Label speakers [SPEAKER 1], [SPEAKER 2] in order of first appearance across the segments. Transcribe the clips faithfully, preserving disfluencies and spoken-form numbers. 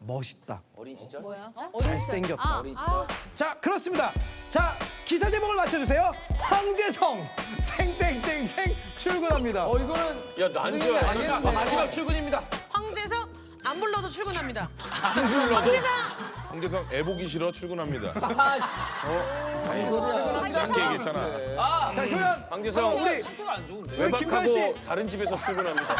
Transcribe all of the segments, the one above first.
[SPEAKER 1] 멋있다.
[SPEAKER 2] 어린 시절?
[SPEAKER 3] 뭐야?
[SPEAKER 1] 잘생겼다.
[SPEAKER 3] 아,
[SPEAKER 2] 어린 시절?
[SPEAKER 3] 아,
[SPEAKER 1] 자, 그렇습니다. 자, 기사 제목을 맞춰주세요. 황재성 탱탱탱탱 출근합니다.
[SPEAKER 2] 어 이거는 야 난줄 알아.
[SPEAKER 1] 마지막 출근입니다.
[SPEAKER 4] 황재석 안 불러도 출근합니다.
[SPEAKER 2] 안 불러도.
[SPEAKER 5] 황재성 애 보기 싫어 출근합니다.
[SPEAKER 3] 아,
[SPEAKER 5] 짧게 얘기했잖아.
[SPEAKER 1] 자, 효연.
[SPEAKER 2] 황재성
[SPEAKER 1] 우리
[SPEAKER 2] 상태가 안 좋은데.
[SPEAKER 1] 우리 김관 씨.
[SPEAKER 2] 외박하고 다른 집에서 출근합니다.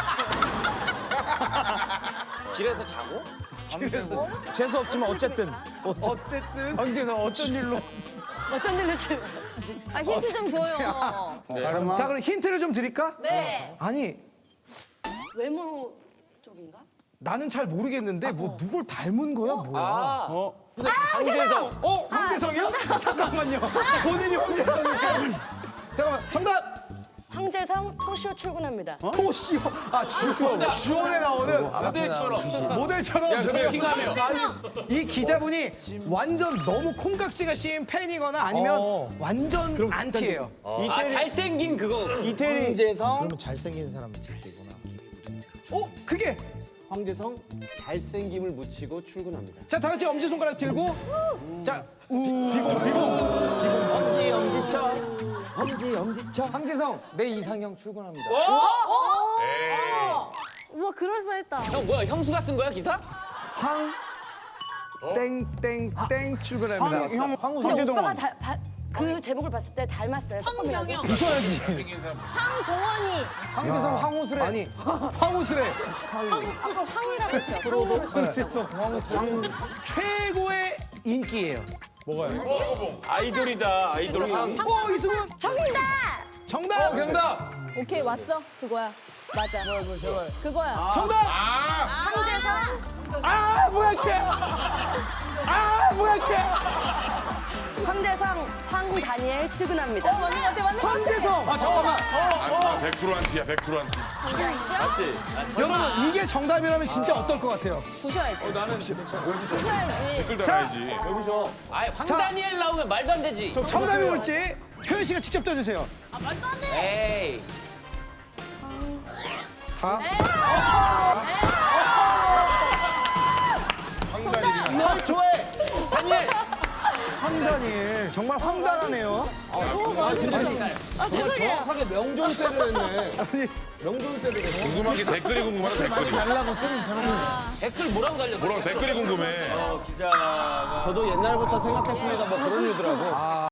[SPEAKER 2] 길에서 자고?
[SPEAKER 1] 재수 없지만 어쨌든 어쨌든 황재성 어쩐 일로?
[SPEAKER 3] 어쩐 일로 출? 아 힌트 좀 줘요.
[SPEAKER 1] 자, 그럼 힌트를 좀 드릴까?
[SPEAKER 3] 네.
[SPEAKER 1] 아니,
[SPEAKER 3] 외모 쪽인가?
[SPEAKER 1] 나는 잘 모르겠는데 뭐 누굴 닮은 거야, 뭐야?
[SPEAKER 2] 어? 황재성.
[SPEAKER 1] 어, 황재성이요? 잠깐만요. 본인이 황재성이에요. 잠깐만, 정답.
[SPEAKER 6] 황재성 토쇼 출근합니다.
[SPEAKER 1] 토시요. 아, 주원. 주원에 나오는
[SPEAKER 2] 모델처럼.
[SPEAKER 1] 모델처럼.
[SPEAKER 2] 야, 저기
[SPEAKER 1] 저기
[SPEAKER 2] 킹하며.
[SPEAKER 1] 이 기자분이 완전 너무 콩깍지가 씌인 팬이거나 아니면 완전 안티예요.
[SPEAKER 2] 아 잘생긴 그거.
[SPEAKER 7] 황재성
[SPEAKER 8] 그러면 잘생긴 사람 찾기구나.
[SPEAKER 1] 어, 그게.
[SPEAKER 7] 황재성 잘생김을 묻히고 출근합니다.
[SPEAKER 1] 자, 다 같이 엄지손가락 들고. 자, 우. 비공, 비공. 비공.
[SPEAKER 7] 엄지 엄지척 엄지 엄지척.
[SPEAKER 8] 황재성 내 이상형 출근합니다.
[SPEAKER 3] 우와 그럴싸했다.
[SPEAKER 2] 형 뭐야 형수가 쓴 거야 기사?
[SPEAKER 1] 황. 땡땡땡 출근합니다.
[SPEAKER 8] 형 황우
[SPEAKER 6] 근데 오빠가
[SPEAKER 8] 황재동원.
[SPEAKER 6] 다, 바, 그 제목을 봤을 때 닮았어요. 조금이라도.
[SPEAKER 4] 황경영.
[SPEAKER 1] 부숴야지.
[SPEAKER 3] 황도원이.
[SPEAKER 8] 황재성 황우수래.
[SPEAKER 1] 아니, 황우스레.
[SPEAKER 6] 아까 황이라고 했죠.
[SPEAKER 1] 최고의 인기예요.
[SPEAKER 2] 아이돌이다 아이돌 황.
[SPEAKER 1] 어, 이승훈.
[SPEAKER 6] 정답!
[SPEAKER 1] 정답.
[SPEAKER 2] 정답.
[SPEAKER 3] 오케이 왔어. 그거야. 맞아. 그거야.
[SPEAKER 1] 정답.
[SPEAKER 6] 황재성,
[SPEAKER 1] 아, 뭐야 이게. 아, 뭐야 이게.
[SPEAKER 6] 황재성, 황다니엘 출근합니다.
[SPEAKER 4] 맞네 맞네 맞네.
[SPEAKER 1] 황재성. 아, 잠깐만.
[SPEAKER 5] 안티야 백 퍼센트 안티야 백 퍼센트 안티.
[SPEAKER 2] 맞지?
[SPEAKER 1] 여러분, 이게 정답이라면 진짜 어떨 것 같아요?
[SPEAKER 3] 부셔야지.
[SPEAKER 2] 나는 괜찮아.
[SPEAKER 3] 부셔야지.
[SPEAKER 5] 댓글 달아야지.
[SPEAKER 2] 아 황다니엘 나오면 말도 안 되지.
[SPEAKER 1] 저 정답이 뭘지 효연 씨가 직접 떠주세요.
[SPEAKER 2] 에이.
[SPEAKER 1] 자,
[SPEAKER 5] 황다니엘이
[SPEAKER 1] 널 좋아해. 다니엘. 황다니엘. 정말 황당하네요.
[SPEAKER 7] 정확하게 명존세를 했네.
[SPEAKER 1] 아니,
[SPEAKER 7] 명존세를 했네.
[SPEAKER 5] 궁금한 게 댓글이 궁금하다 댓글이.
[SPEAKER 8] 달라고 쓰는 저런.
[SPEAKER 2] 댓글 뭐라고 달렸어?
[SPEAKER 5] 뭐라고 댓글이 궁금해.
[SPEAKER 2] 기자가
[SPEAKER 7] 저도 옛날부터 생각했습니다. 뭐 그런 일더라고.